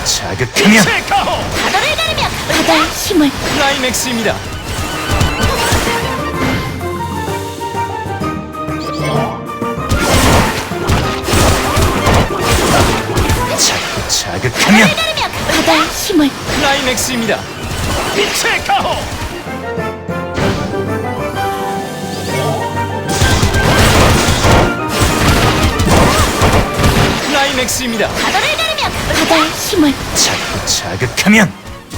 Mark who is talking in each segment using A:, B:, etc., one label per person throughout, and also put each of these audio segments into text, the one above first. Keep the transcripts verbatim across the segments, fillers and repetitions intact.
A: 자극하면
B: 바다를 가르며 바다의 힘을
C: 클라이맥스입니다.
A: 자극하면
B: 가르며 바다의 힘을
C: 클라이맥스입니다.
D: 빛의 가호.
C: 클라이맥스입니다.
B: 바다를 가르며 바다의 힘을
A: 자, 자극하면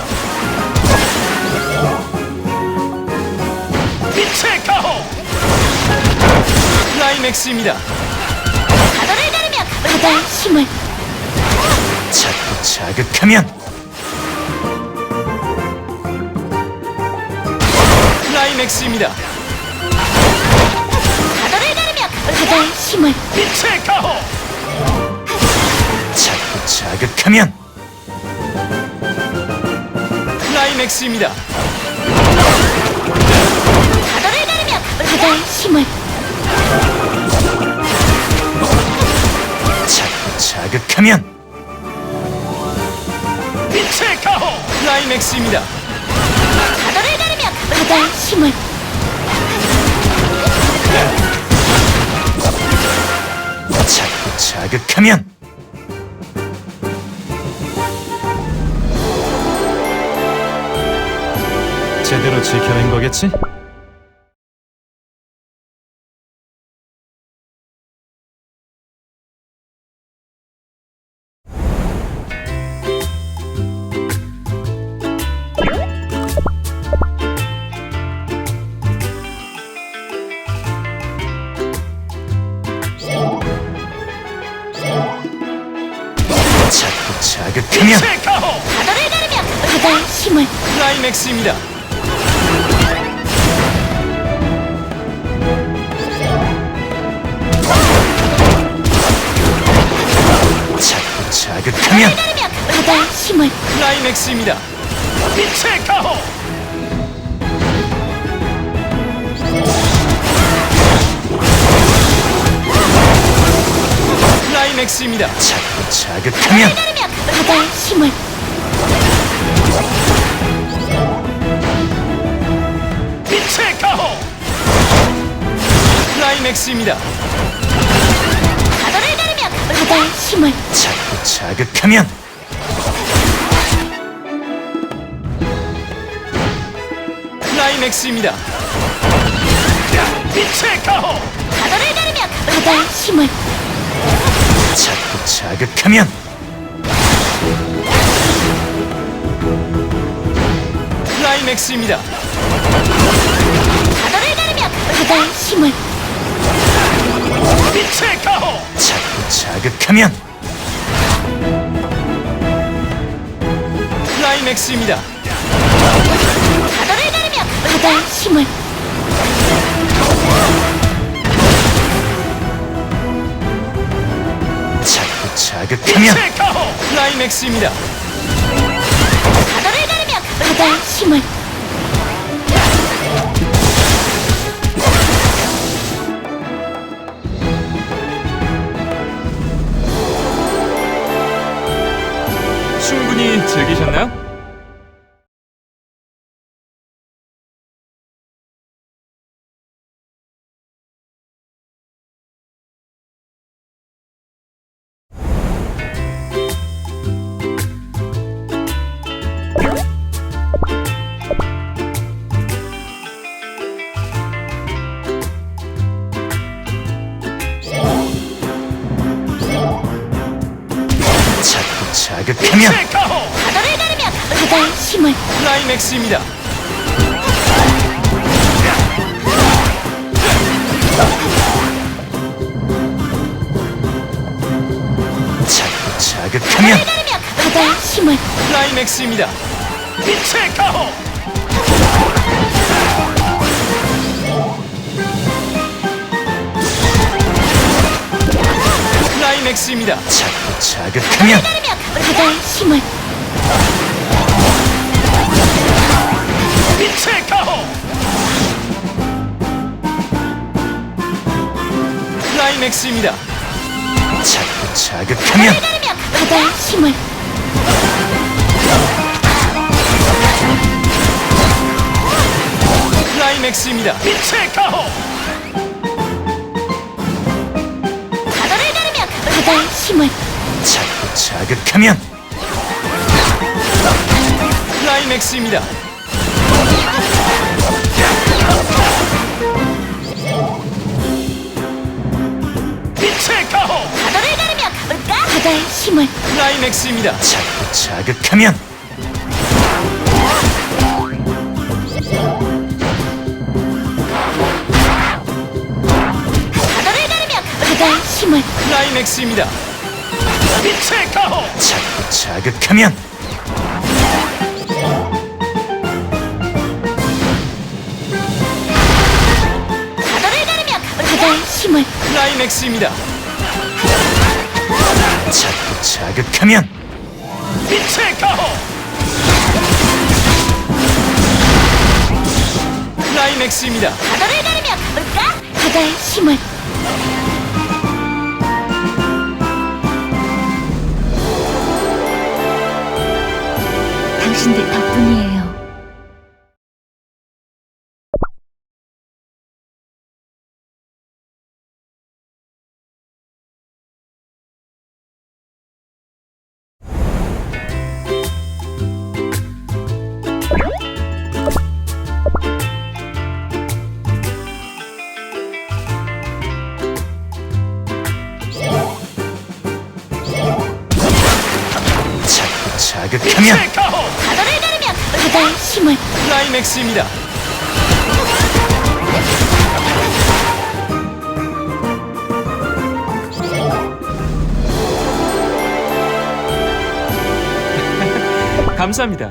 D: 빛의 가호.
C: 클라이맥스입니다.
B: 바다를 가르며 바다의 힘을
A: 자, 자극하면
C: 클라이맥스입니다.
B: 바다를 가르며 바다의 힘을
D: 빛의 가호.
A: 자, 자극하면
C: 클라이맥스입니다.
B: 바다를 가르며 바다의 힘을
A: 자, 자극하면
D: 빛의 가호.
C: 클라이맥스입니다.
B: 바다를 가르며 바다의 힘을
A: 자, 자극하면
C: 제대로 지켜낸 거겠지?
A: 자, 자극하면
D: 빛의 가호.
B: 바다를 가르며 바다의 힘을
C: 클라이맥스입니다.
A: 자, 자극하면
B: 가르며 바다의 힘을
C: 클라이맥스입니다.
D: 빛의 가호.
C: 클라이맥스입니다.
A: 자, 자극하면
B: 가르며 바다의 힘을
D: 빛의 가호.
C: 클라이맥스입니다.
B: 바다를 가르며 바다의 힘을
A: 자, 자극하면
C: 클라이맥스입니다.
D: 빛의 가호.
B: 바다를 가르며 바다의 힘을
A: 자, 자극하면
C: 클라이맥스입니다.
B: 바다를 가르며 바다의 힘을
D: 빛의 가호.
A: 자, 자극하면
C: 클라이맥스입니다.
B: 바다를 가르며 바다의 힘을
A: 자, 자극하면
D: 빛의 가호.
C: 클라이맥스입니다.
B: 바다를 가르며 바다의 힘을
C: 충분히 즐기셨나요?
A: 자, 자극하면
D: 빛의 가호.
B: 바다를 가르며 바다의 힘을
C: 클라이맥스입니다.
A: 자, 자극하면
B: 가르며 바다의 힘을
C: 클라이맥스입니다.
D: 빛의 가호.
C: 클라이맥스입니다.
A: 자, 자극하면
B: 가르며 바다의 힘을
D: 빛의 가호.
C: 클라이맥스입니다.
A: 자, 자극하면
B: 가르며 바다의 힘을
C: 클라이맥스입니다.
D: 빛의 가호.
B: 바다를 가르며 바다의 힘을
A: 자꾸 자극하면
C: 클라이맥스입니다.
D: 빛의 가호.
B: 바다를 가르며 가볼까? 바다의 힘을
C: 클라이맥스입니다.
A: 자꾸 자극하면
B: 바다를 가르며 바다의 힘을
C: 클라이맥스입니다.
D: 빛의 가호.
A: 자꾸 자극하면
B: 바다를 가르며 바다의 힘을
C: 클라이맥스입니다.
A: 자꾸 자극하면
D: 빛의 가호.
C: 클라이맥스입니다.
B: 바다를 가르며 가볼까? 바다의 힘을 당신들 덕분이에요.
A: 자꾸 자극하면
D: 빛의 가호.
B: 바다를 가르며 바다의 힘을
C: 클라이맥스입니다. 감사합니다.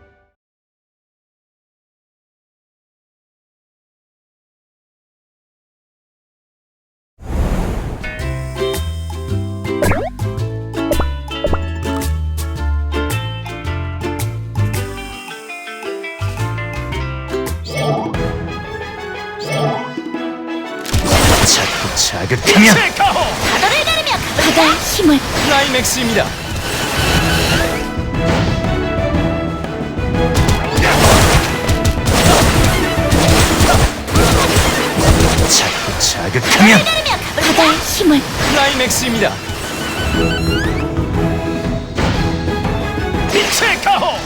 A: 자꾸 자극하면
D: 빛의 가호.
B: 바다를 가르며 바다의 힘을
C: 클라이맥스입니다.
A: 자꾸 자극하면
B: 가르며 바다의 힘을
C: 클라이맥스입니다.
D: 빛의 가호.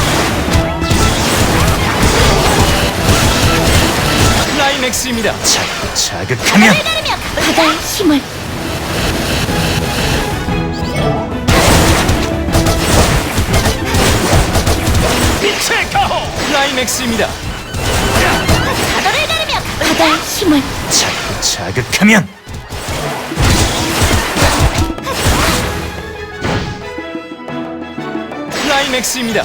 C: 클라이맥스입니다.
A: 자꾸 자극하면
B: 가르며 바다의 힘을
D: 빛의 가호.
C: 클라이맥스입니다.
B: 바다를 가르며 바다의 힘을
A: 자꾸 자극하면
C: 클라이맥스입니다.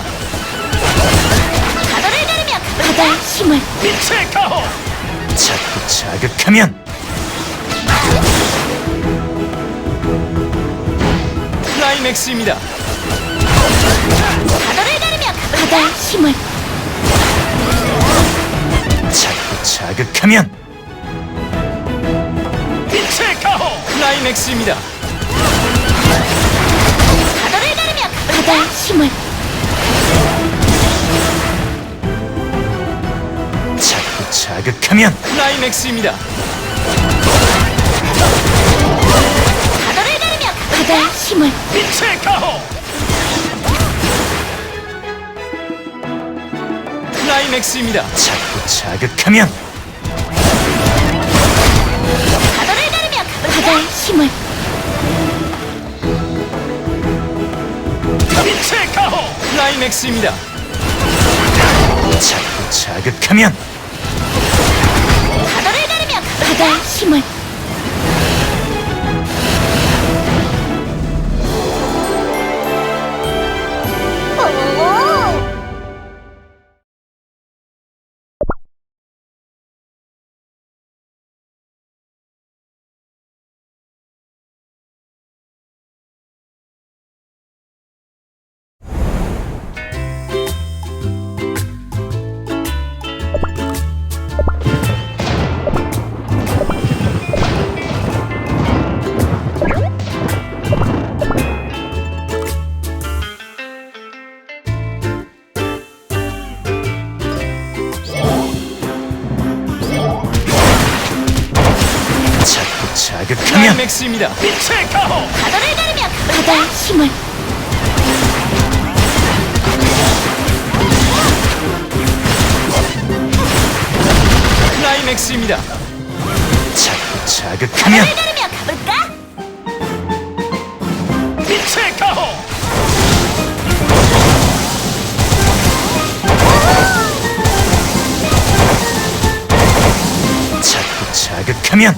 B: 바다를 가르며 바다의 힘을
D: 빛의 가호.
A: 자꾸 자극하면
C: 클라이맥스입니다.
B: 바다를 가르며 바다의 힘을
A: 자꾸 자극하면
D: 빛의 가호.
C: 클라이맥스입니다.
B: 바다를 가르며 바다의 힘을
A: 자꾸 자극하면
C: 클라이맥스입니다.
B: 바다를 가르며 바다의 힘을
D: 빛의 가호.
C: 클라이맥스입니다.
A: 자꾸 자극하면
B: 바다를 가르며 바다의 힘을
D: 빛의 가호.
C: 클라이맥스입니다.
A: 자꾸 자극하면
B: 바다를 가르며 바다의 힘을
C: X입니다.
D: 빛의 가호.
B: 바다를 가르며 바다의 힘을
C: 클라이맥스입니다.
A: 자꾸 자극하면
B: 바다를 가르며 가볼까?
D: 빛의 가호.
A: 자꾸 자극하면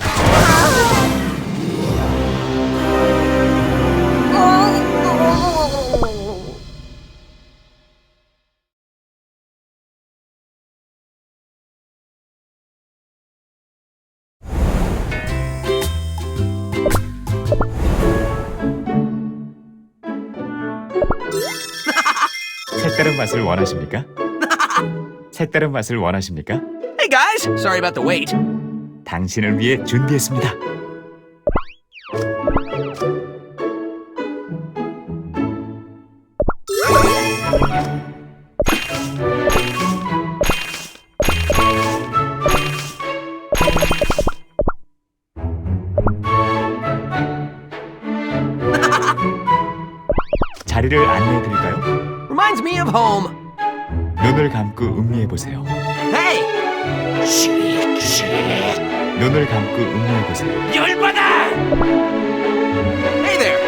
E: 색다른 맛을 원하십니까? 색다른 맛을 원하십니까?
F: Hey guys, sorry about the wait.
E: 당신을 위해 준비했습니다. 자리를 안내해 드릴까요?
F: Reminds me of home.
E: 눈을 감고 음미해 보세요.
F: Hey!
E: 눈을 감고 음미해 보세요.
D: 열받아.
F: Hey there!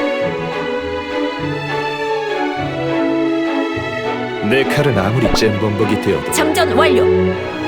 G: 내 칼은 아무리 잼범벅이 되어도
B: 장전 완료.